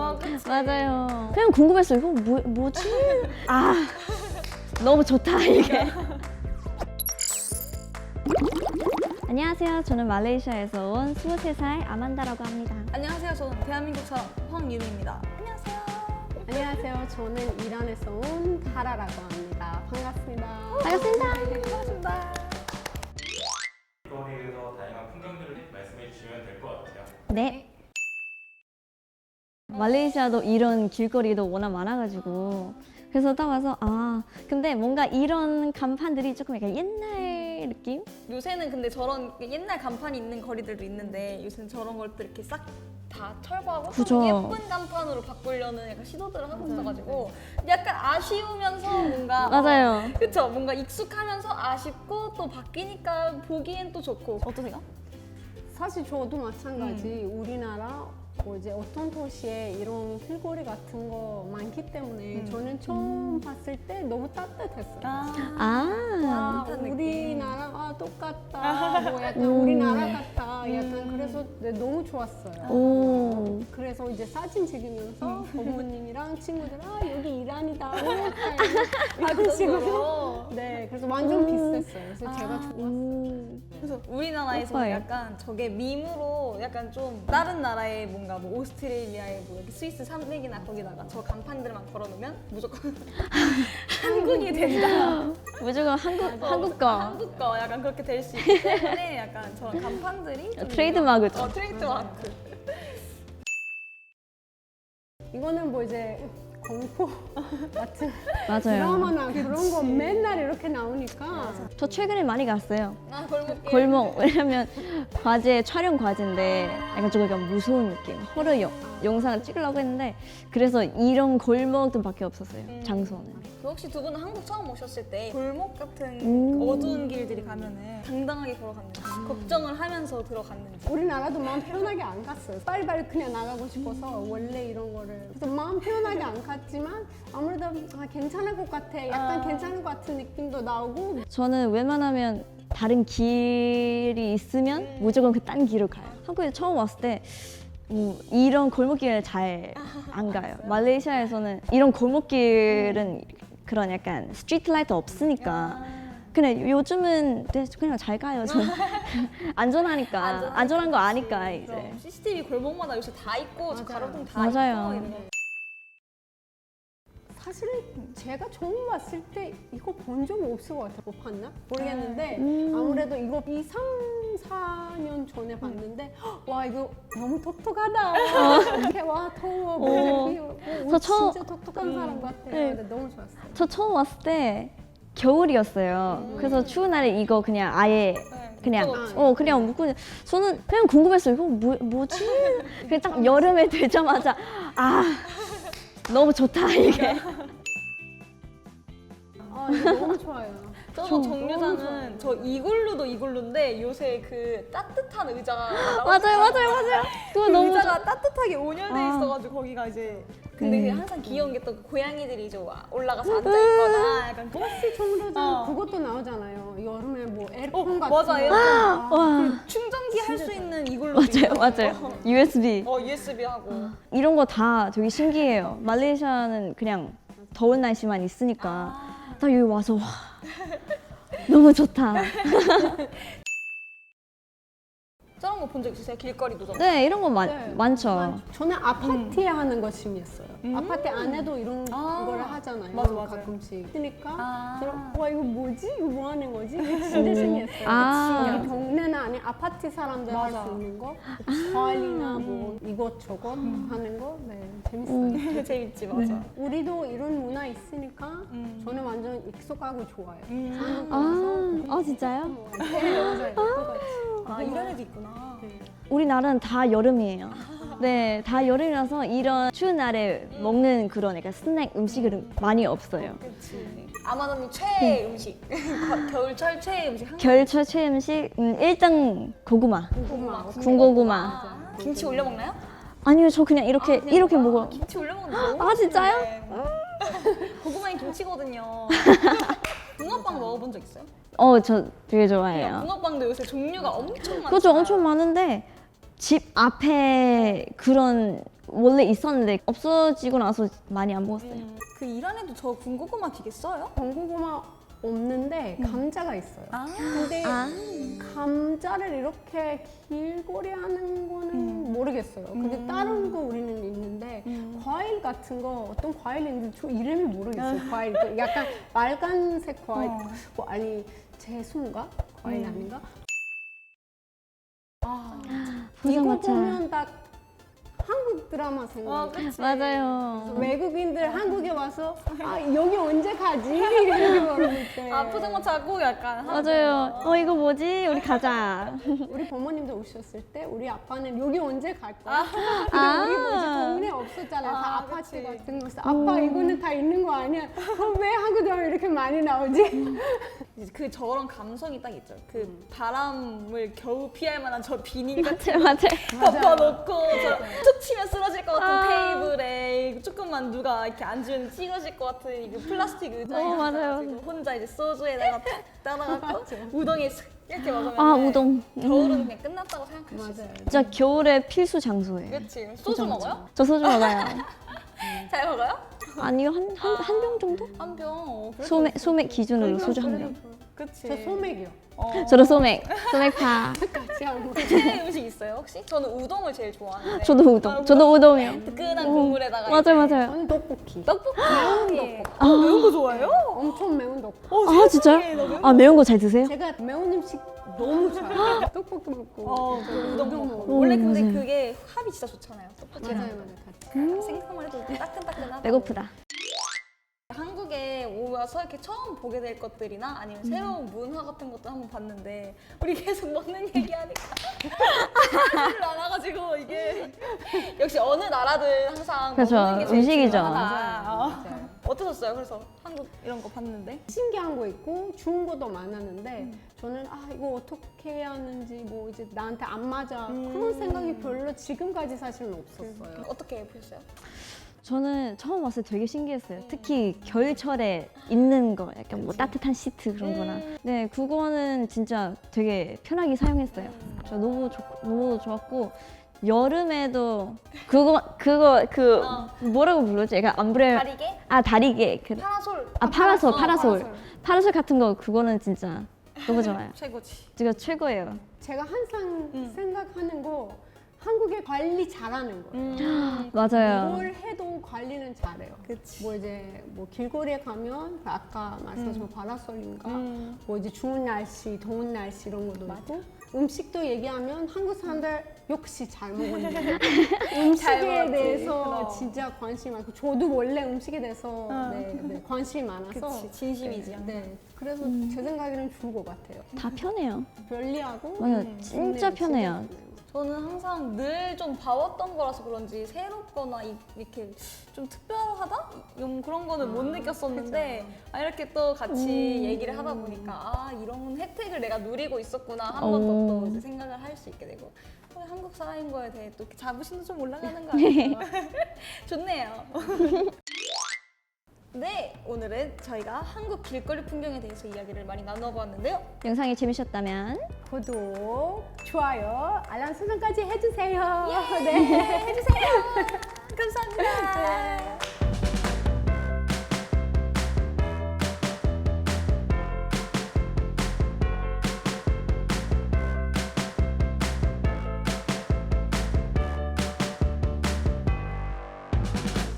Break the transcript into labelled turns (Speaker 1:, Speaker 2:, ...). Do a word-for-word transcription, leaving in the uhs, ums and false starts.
Speaker 1: 어, 그치.
Speaker 2: 맞아요. 그냥 궁금했어요. 이거 뭐, 뭐지? 아, 너무 좋다 이게. 안녕하세요. 저는 말레이시아에서 온 스물세 살 아만다라고 합니다.
Speaker 1: 안녕하세요. 저는 대한민국 사람 황유미입니다. 안녕하세요.
Speaker 3: 안녕하세요. 저는 이란에서 온 다라라고 합니다. 반갑습니다.
Speaker 2: 반갑습니다.
Speaker 1: 반갑습니다.
Speaker 4: 길거리에서 다양한 풍경들을 말씀해 주시면 될 것 같아요.
Speaker 2: 네. 말레이시아도 이런 길거리도 워낙 많아가지고 그래서 딱 와서 아 근데 뭔가 이런 간판들이 조금 약간 옛날 느낌?
Speaker 1: 요새는 근데 저런 옛날 간판이 있는 거리들도 있는데 요새는 저런 것들 이렇게 싹 다 철거하고
Speaker 2: 그죠.
Speaker 1: 좀 예쁜 간판으로 바꾸려는 약간 시도들을 하고 있어가지고 약간 아쉬우면서 뭔가
Speaker 2: 맞아요.
Speaker 1: 어, 그쵸? 뭔가 익숙하면서 아쉽고 또 바뀌니까 보기엔 또 좋고 어떠세요?
Speaker 3: 사실 저도 마찬가지. 우리나라 뭐 이제 어떤 도시에 이런 길거리 같은 거 많기 때문에
Speaker 1: 음.
Speaker 3: 저는 처음 봤을 때 너무 따뜻했어요.
Speaker 2: 아,
Speaker 3: 아,
Speaker 1: 따뜻한 느낌.
Speaker 3: 우리나라 아 똑같다. 뭐 약간
Speaker 2: 음.
Speaker 3: 우리나라 같다. 약간
Speaker 1: 음.
Speaker 3: 그래서 네, 너무 좋았어요.
Speaker 2: 오.
Speaker 3: 그래서 이제 사진 찍으면서 부모님이랑 친구들 아 여기 이란이다.
Speaker 1: 아,
Speaker 3: 이런
Speaker 1: 그런
Speaker 3: 식으로.
Speaker 1: 거로?
Speaker 3: 네, 그래서 완전 비슷했어요. 그래서 제가 좋았어요.
Speaker 2: 음.
Speaker 1: 그래서 우리나라에서
Speaker 2: 예뻐요.
Speaker 1: 약간 저게 밈으로 약간 좀 다른 나라의 뭔가 뭐 오스트레일리아의 뭐 이렇게 스위스 산맥이나 거기다가 저 간판들만 걸어놓으면 무조건 한국이 된다.
Speaker 2: 무조건 한국 한국 거
Speaker 1: 한국 거 약간 그렇게 될 수 있기 때문에 약간 저런 간판들이 좀
Speaker 2: 트레이드마크죠.
Speaker 1: 어, 트레이드마크.
Speaker 3: 이거는 뭐 이제 공포 같은
Speaker 2: 맞아요.
Speaker 3: 드라마나 그런 거 맨날 이렇게 나오니까
Speaker 2: 저 최근에 많이 갔어요.
Speaker 1: 아 골목길.
Speaker 2: 골목 왜냐면 과제 촬영 과제인데 약간 좀 약간 무서운 느낌 호러 영, 영상을 찍으려고 했는데 그래서 이런 골목들밖에 없었어요.
Speaker 1: 음.
Speaker 2: 장소는.
Speaker 1: 그 혹시 두 분은 한국 처음 오셨을 때 골목 같은
Speaker 2: 음.
Speaker 1: 그 어두운 길들이 가면은 당당하게 걸어갔는지 걱정을 하면서 들어갔는지.
Speaker 3: 우리나라도 마음 편하게 안 갔어요. 빨리빨리 그냥 나가고 싶어서 원래 이런 거를 그래서 마음 편하게 안 갔지만 아무래도 아, 괜찮을 것 같아. 약간
Speaker 1: 아.
Speaker 3: 괜찮을 것 같은 느낌도 나오고
Speaker 2: 저는 웬만하면 다른 길이 있으면
Speaker 1: 음.
Speaker 2: 무조건 그 딴 길을 가요. 한국에 처음 왔을 때 음, 이런 골목길을 잘 안 가요. 말레이시아에서는 이런 골목길은 그런 약간 스트리트 라이트 없으니까 그냥 요즘은 네, 그냥 잘 가요. 저는 안전하니까
Speaker 1: 안전하니까
Speaker 2: 안전한 거 아니까
Speaker 1: 그치.
Speaker 2: 이제.
Speaker 1: 그럼 씨씨티비 골목마다 요새 다 있고 저
Speaker 3: 맞아요.
Speaker 1: 가로등 다
Speaker 2: 맞아요.
Speaker 1: 있고 이런 거.
Speaker 3: 사실은 제가 처음 봤을 때 이거 본 적 없을 것 같아요. 못 봤나? 모르겠는데
Speaker 2: 음.
Speaker 3: 아무래도 이거 이, 삼, 사 년 전에 봤는데 와 이거 너무 똑똑하다. 이렇게 와 더워.
Speaker 2: 어.
Speaker 3: 모자 끼고 오,
Speaker 2: 저 처음-
Speaker 3: 진짜 똑똑한 사람 같아요.
Speaker 2: 네.
Speaker 3: 근데 너무 좋았어요.
Speaker 2: 저 처음 왔을 때 겨울이었어요. 그래서 추운 날에 이거 그냥 아예
Speaker 1: 네,
Speaker 2: 그냥
Speaker 1: 묶어놓지.
Speaker 2: 어 그냥 묶고 저는 그냥 궁금했어요. 이거 뭐, 뭐지? 그냥 딱 여름에 되자마자 아 너무 좋다 이게.
Speaker 3: 아 이거 너무 좋아요.
Speaker 1: 저도
Speaker 3: 너무
Speaker 1: 정류장은
Speaker 3: 좋아요.
Speaker 1: 저 이글루도 이글루인데 요새 그 따뜻한 의자가
Speaker 2: 맞아요, 맞아요, 맞아요. 그거 너무 좋아.
Speaker 1: 의자가 따뜻하게 온열돼
Speaker 2: 아.
Speaker 1: 있어가지고 거기가 이제 근데
Speaker 2: 음.
Speaker 1: 항상 귀여운 게 또 고양이들이 이제 와- 올라가서 앉아 있거나 약간 그-
Speaker 3: 버스 정류장
Speaker 1: 어.
Speaker 3: 그것도 나오잖아요. 여름에 뭐
Speaker 1: 어,
Speaker 3: 에어컨 같은
Speaker 1: 맞아,
Speaker 3: 거.
Speaker 1: 에어컨.
Speaker 3: 아,
Speaker 2: 와
Speaker 1: 충전기 할 수 있는 이글루
Speaker 2: 맞아요, 맞아요. 유에스비
Speaker 1: 어 유에스비 하고
Speaker 2: 이런 거 다 되게 신기해요. 말레이시아는 그냥 더운 날씨만 있으니까
Speaker 1: 아.
Speaker 2: 나 여기 와서 와 너무 좋다.
Speaker 1: 저런 거 본 적 있으세요? 길거리 노점.
Speaker 2: 네 이런 거 많,
Speaker 3: 네.
Speaker 2: 많죠.
Speaker 3: 저는 아파트에 하는 거 취미였어요.
Speaker 1: 음.
Speaker 3: 아파트 안에도 이런
Speaker 1: 아.
Speaker 3: 거를 하잖아요.
Speaker 1: 맞아, 맞아요.
Speaker 3: 가끔씩. 그러니까
Speaker 1: 아.
Speaker 3: 그래서 와 이거 뭐지? 이거 뭐 하는 거지? 이게 진짜 신기했어요.
Speaker 2: 아.
Speaker 3: 여기 동네는 아니 아파트 사람들 할
Speaker 1: 맞아.
Speaker 3: 수 있는 거, 과일이나 뭐 이것저것 하는 거, 네 재밌어요.
Speaker 1: 재밌지 맞아.
Speaker 3: 우리도 이런 문화 있으니까
Speaker 1: 음.
Speaker 3: 저는 완전 익숙하고 좋아요.
Speaker 1: 음.
Speaker 3: 한국
Speaker 2: 아,
Speaker 3: 와서
Speaker 2: 아 진짜요?
Speaker 3: 네, 맞아요. 똑같이.
Speaker 1: 아 이런 애도 있구나.
Speaker 3: 네.
Speaker 2: 우리나라는 다 여름이에요. 네, 다 여름이라서 이런 추운 날에 먹는 그런 약간 스낵 음식은 많이 없어요.
Speaker 1: 그렇지. 아마도님 최애 음식. 겨울철 최애 음식. 한국
Speaker 2: 겨울철 최애 음식 음, 일단 고구마.
Speaker 3: 고구마.
Speaker 2: 군고구마.
Speaker 1: 아, 김치 올려 먹나요?
Speaker 2: 아니요, 저 그냥 이렇게
Speaker 1: 아, 그냥
Speaker 2: 이렇게
Speaker 1: 먹어요?
Speaker 2: 먹어.
Speaker 1: 김치 올려 먹는 거 너무
Speaker 2: 아, 진짜요?
Speaker 1: 맛있는데. 고구마에 김치거든요. 붕어빵 먹어본 적 있어요?
Speaker 2: 어, 저 되게 좋아해요.
Speaker 1: 붕어빵도 요새 종류가 엄청 많잖아요.
Speaker 2: 그죠, 엄청 많은데 집 앞에 그런 원래 있었는데 없어지고 나서 많이 안 먹었어요.
Speaker 1: 음, 그 이란에도 저 군고구마 되게 써요?
Speaker 3: 군고구마 없는데 감자가 있어요.
Speaker 1: 아,
Speaker 3: 근데
Speaker 2: 아.
Speaker 3: 감자를 이렇게 길거리 하는 거는
Speaker 1: 음.
Speaker 3: 모르겠어요. 근데
Speaker 1: 음.
Speaker 3: 다른 거 우리는 있는데
Speaker 1: 음.
Speaker 3: 과일 같은 거 어떤 과일인지 저 이름이 모르겠어요. 과일 그 약간 빨간색 과일
Speaker 1: 어.
Speaker 3: 뭐 아니 제수인가 과일
Speaker 1: 음.
Speaker 3: 아닌가?
Speaker 1: 아,
Speaker 3: 이거
Speaker 2: 포장마차.
Speaker 3: 보면 딱 한국 드라마
Speaker 1: 어,
Speaker 3: 생각나요.
Speaker 1: 그치.
Speaker 3: 그래서
Speaker 2: 맞아요.
Speaker 3: 외국인들 한국에 와서 아 여기 언제 가지? 이렇게 물어볼 때
Speaker 1: 아 포장마차 꼭 약간
Speaker 2: 맞아요. 어 이거 뭐지? 우리 가자.
Speaker 3: 우리 부모님도 오셨을 때 우리 아빠는 여기 언제 갈 거야? 근데
Speaker 2: 아.
Speaker 3: 우리 뭐 이제 동네 없었잖아요. 다
Speaker 1: 아,
Speaker 3: 아파트
Speaker 1: 그치.
Speaker 3: 같은 거. 그래서 아빠 이거는 다 있는 거 아니야? 그럼 왜 한국 드라마 이렇게 많이 나오지?
Speaker 1: 이제 그 저런 감성이 딱 있죠. 그
Speaker 3: 음.
Speaker 1: 바람을 겨우 피할 만한 저 비닐 같은
Speaker 2: 맞아요, 맞아요.
Speaker 1: 덮어놓고 저툭 치면 쓰러질 것 같은
Speaker 2: 아.
Speaker 1: 테이블에 조금만 누가 이렇게 앉으면 찌그러질 것 같은 이거 플라스틱 의자에
Speaker 2: 어, 맞아요.
Speaker 1: 앉아가지고 혼자 이제 소주에다가 탁 따라갖고
Speaker 3: 맞아.
Speaker 1: 우동에 슥 이렇게 먹으면
Speaker 2: 아 우동.
Speaker 1: 겨울은 그냥 끝났다고 생각할 수
Speaker 3: 맞아요.
Speaker 1: 있어요.
Speaker 2: 진짜 겨울의 필수 장소예요.
Speaker 1: 그치? 소주 먹어요?
Speaker 2: 저 소주 먹어요.
Speaker 1: 잘 먹어요?
Speaker 2: 아니요 한 한 한 병 정도?
Speaker 1: 한 병. 어, 그래도
Speaker 2: 소맥 소맥 기준으로 소주 한 병.
Speaker 1: 그치.
Speaker 3: 저 소맥이요.
Speaker 1: 어.
Speaker 2: 저도 소맥 소맥파.
Speaker 3: 같이 안 먹어요.
Speaker 1: 최애 음식 있어요 혹시? 저는 우동을 제일 좋아하는데.
Speaker 2: 저도 우동. 저도 우동이요.
Speaker 1: 뜨끈한 국물에다가
Speaker 2: 맞아요,
Speaker 1: 이제
Speaker 2: 맞아요.
Speaker 3: 저는 떡볶이.
Speaker 1: 떡볶이.
Speaker 3: 매운 떡볶이.
Speaker 1: 아, 매운 거 좋아해요?
Speaker 3: 엄청 매운 떡볶이.
Speaker 1: 어,
Speaker 2: 아
Speaker 1: 세상에,
Speaker 2: 진짜요?
Speaker 1: 나 매운
Speaker 2: 아 매운 거 잘 드세요?
Speaker 3: 제가 매운 음식 너무 좋아해요. 떡볶이 먹고
Speaker 1: 어, 저 우동 먹고.
Speaker 3: 먹고.
Speaker 1: 원래
Speaker 2: 오,
Speaker 1: 근데
Speaker 2: 맞아요.
Speaker 1: 그게 합이 진짜 좋잖아요. 떡볶이랑.
Speaker 3: 맞아요, 맞아요. 같이.
Speaker 1: 생각만 해도 따끈따끈하다.
Speaker 2: 배고프다.
Speaker 1: 한국에 오면서 이렇게 처음 보게 될 것들이나 아니면 새로운 문화 같은 것도 한번 봤는데 우리 계속 먹는 얘기하니까 말을 안 와가지고 이게 역시 어느 나라든 항상
Speaker 2: 그렇죠.
Speaker 1: 먹는 게 제일
Speaker 2: 음식이죠.
Speaker 1: 중요하다. 어.
Speaker 3: 맞아요.
Speaker 1: 어떠셨어요? 그래서 한국 이런 거 봤는데?
Speaker 3: 신기한 거 있고 좋은 것도 많았는데 저는 아 이거 어떻게 해야 하는지 뭐 이제 나한테 안 맞아
Speaker 1: 음.
Speaker 3: 그런 생각이 별로 지금까지 사실은 없었어요.
Speaker 1: 어떻게 보셨어요?
Speaker 2: 저는 처음 왔을 때 되게 신기했어요. 특히 겨울철에 있는 거, 약간 뭐 따뜻한 시트 그런 거나.
Speaker 1: 음.
Speaker 2: 네, 그거는 진짜 되게 편하게 사용했어요. 저 너무 좋, 너무 좋았고 여름에도 그거 그거 그
Speaker 1: 어.
Speaker 2: 뭐라고 부르지? 약간 암브레
Speaker 1: 다리게?
Speaker 2: 아 다리개 그,
Speaker 1: 파라솔.
Speaker 2: 아 파라솔
Speaker 1: 어,
Speaker 2: 파라솔 파라솔 같은 거 그거는 진짜 너무 좋아요.
Speaker 1: 최고지.
Speaker 2: 제가 최고예요.
Speaker 3: 제가 항상
Speaker 1: 음.
Speaker 3: 생각하는 거 한국에 관리 잘하는 거예요.
Speaker 1: 음.
Speaker 2: 맞아요.
Speaker 3: 뭘 해도 관리는 잘해요.
Speaker 1: 그치.
Speaker 3: 뭐 이제 뭐 길거리에 가면 그 아까 말씀하신 파라솔인가
Speaker 1: 음.
Speaker 3: 뭐 이제 추운 날씨, 더운 날씨 이런 것도 있고 음식도 얘기하면 한국 사람들 역시 잘 먹었네.
Speaker 1: 잘
Speaker 3: 음식에
Speaker 1: 먹었지.
Speaker 3: 대해서
Speaker 1: 그럼.
Speaker 3: 진짜 관심 많고 저도 원래 음식에 대해서
Speaker 1: 어.
Speaker 3: 네, 네, 관심이 많아서
Speaker 1: 그치, 진심이지,
Speaker 3: 네,
Speaker 1: 항상.
Speaker 3: 네. 그래서 제 생각에는 좋을 것 같아요.
Speaker 2: 다 편해요.
Speaker 3: 편리하고
Speaker 2: 맞아요.
Speaker 3: 음,
Speaker 2: 진짜
Speaker 3: 좋네요,
Speaker 2: 편해요.
Speaker 3: 진짜 좋네요.
Speaker 1: 저는 항상 늘 좀 봐왔던 거라서 그런지 새롭거나 이- 이렇게 좀 특별하다? 좀 그런 거는 못
Speaker 3: 아,
Speaker 1: 느꼈었는데 아, 이렇게 또 같이 얘기를 하다 보니까 아 이런 혜택을 내가 누리고 있었구나 한 번 더
Speaker 2: 오.
Speaker 1: 또 이제 생각을 할 수 있게 되고 어, 한국 사람인 거에 대해 또 이렇게 자부심도 좀 올라가는 거 같아요. 좋네요. 네, 오늘은 저희가 한국 길거리 풍경에 대해서 이야기를 많이 나누어 보았는데요.
Speaker 2: 영상이 재밌었다면
Speaker 3: 구독, 좋아요, 알람 설정까지 해주세요.
Speaker 1: 네, 해주세요.